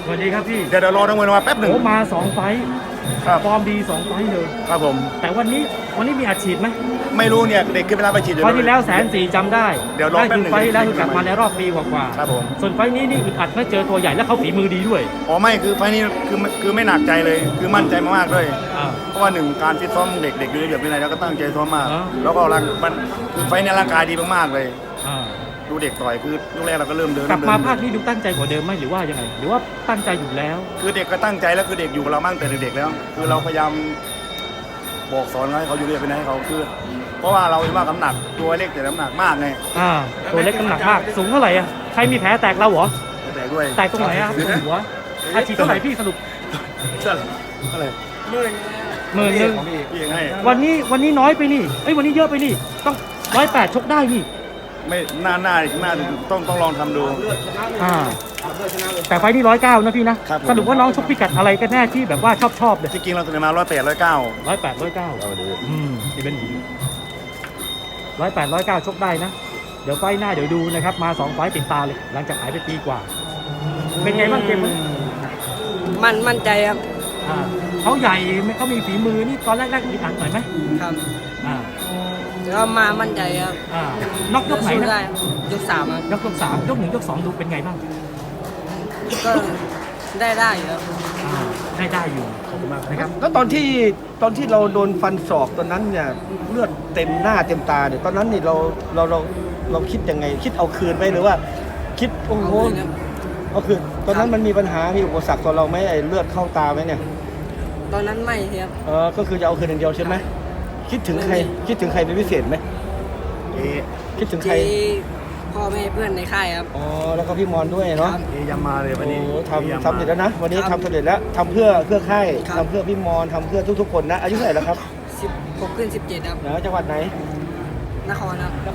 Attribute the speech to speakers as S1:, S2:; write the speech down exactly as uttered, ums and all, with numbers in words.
S1: สวัสดีครับพี่
S2: เดี๋ยวเดี๋ยวรอนักมวยมาแป๊บหนึ่ง
S1: โอ้มาสองไฟท์
S2: ครับ
S1: ฟอร์มดีสองไฟท์เลย
S2: ครับผม
S1: แต่วันนี้วันนี้มีอัดฉีดไหม
S2: ไม่รู้เนี่ยเด็กขึ้นไปรับไปฉีดอยู่
S1: ไฟท์ที่แล้วแสนสี่จำได้
S2: เดี๋ยวรอ
S1: นั่น
S2: แป๊บ
S1: คือ
S2: หนึ่ง
S1: ไฟท์ที่แล้วคือกลับมาในรอบปีกว่า
S2: ครับผม
S1: ๆส่วนไฟท์นี้นี่อึดอัดเมื่อเจอตัวใหญ่แล้วเขาฝีมือดีด้วย
S2: อ๋อไม่คือไฟล์นี้คือคือไม่หนักใจเลยคือมั่นใจมากๆด้วย
S1: อ่า
S2: เพราะว่าหนึ่งการฟิตซ้อมเด็กเด็กอยู่ในระเบียบวินัยแล้วก็ตั้งใจซ้อมมาก
S1: อ๋อ
S2: แล้วก็ร่างมันคือไฟล์เนี้ร่างกายดีมากๆเลย
S1: อ่า
S2: ดูเด็กต่อยคือลูกแรกเราก็เริ่มเดิน
S1: กลับมา
S2: เดิน
S1: ภาคนี้ดูตั้งใจกว่าเดิมไหมหรือว่ายังไง หรือว่าตั้งใจอยู่แล้ว
S2: คือเด็กก็ตั้งใจแล้วคือเด็กอยู่กับเรามาตั้งแต่เด็กๆแล้ว คือเราพยายามบอกสอนให้เขาอยู่เรียบวินัยให้เขาคือ เพราะว่าเราเห็นว่าน้ำหนักตัวเล็กแต่น้ำหนักมากไง
S1: อ่าตัวเล็กน้ำหนักมากสูงเท่าไหร่อ่ะใครมีแผลแตกเราเหรอ
S2: แต่ด้วย
S1: แตกตรงไหนอ่ะตรงหัวอาชีพเท่าไหร่พี่สรุป
S2: อะไร
S1: หมื่นหนึ่ง
S2: พี่ยังให้
S1: วันนี้วันนี้น้อยไปนี่เอ้ยวันนี้เยอะไปนี่ต้องร้อยแปดชกได้นี่
S2: ไม่น่าน่าน่าต้องต้องลองทำดู
S1: อ่าแต่ไฟล์ที่ร้อยเก้านะพี่นะครับ
S2: ผม
S1: สรุปว่าน้องชกพิกัดอะไรกันแน่ที่แบบว่าชอบชอบเลย
S2: ที่จริงเราเสนอมาร้อยแปดร้อยเก้า
S1: ร้อยแปดร้อยเก้าอืมนี่เป็นหญิงร้อยแปดร้อยเก้าชกได้นะ เดี๋ยวไฟล์หน้าเดี๋ยวดูนะครับ มาสองไฟล์ติดตาเลย หลังจากหายไปปีกว่า เป็นไงบ้างเกมวันนี้
S3: มันมั่นใจครับ
S1: อ่าเขาใหญ่ไหมเขามีฝีมือนี่ตอนแรกๆมีอันหน่อยไหม
S3: ครับ
S1: อ่า
S3: แล้วมามั่นใจครับ
S1: อ่านอกยกไหน
S3: สู้
S1: นะ
S3: ได้ครับยกสามครับ
S1: ยกยกสามยกหนึ่งยกสองดูเป็นไงบ้าง
S3: ก็ได้ได้อยู่ครับ
S1: อ่าได้ได้อยู่ขอบคุณมากนะครับ
S4: แล้วตอนที่ตอนที่เราโดนฟันศอกตอนนั้นเนี่ยเลือดเต็มหน้าเต็มตาเนี่ยตอนนั้นนี่เราเราเราเราคิดยังไง คิดเอาคืนไหมหรือว่า คิดโอ้โห
S3: เอาคืนครับ
S4: เอาคืนตอนนั้นมันมีปัญหามีอุปสรรคต่อเราไหมไอ้เลือดเข้าตาไหมเนี่ย
S3: ตอนนั้นไม่ครับ
S4: เออก็คือจะเอาคืนอย่างเดียวใช่ไหมคิดถึงใครคิดถึงใครเป็นพิเศษไหม
S2: เอ๊ะ
S4: คิดถึงใคร
S3: ที่พ่อแม่เพื่อนในค่ายครับ
S4: อ๋อแล้วก็พี่มอนด้วยเนาะ
S3: ครับ
S2: เอ๊ะยังมาเลยวันนี้
S4: โอ้
S2: เอ๊ะยัง
S4: ทำ
S2: มา
S4: ทำเสร็จแล้วนะวันนี้
S3: ครับ
S4: ทำสำเร็จแล้วทำเพื่อเพื่อค่าย
S3: ครับ
S4: ทำเพื่อพี่มอนทำเพื่อทุกๆคนนะอายุเท่าไหร่แล้วครับ
S3: สิบหกขึ้นสิบเจ็ดครับ
S4: นะจังหวัดไหน
S3: นครครับ
S4: น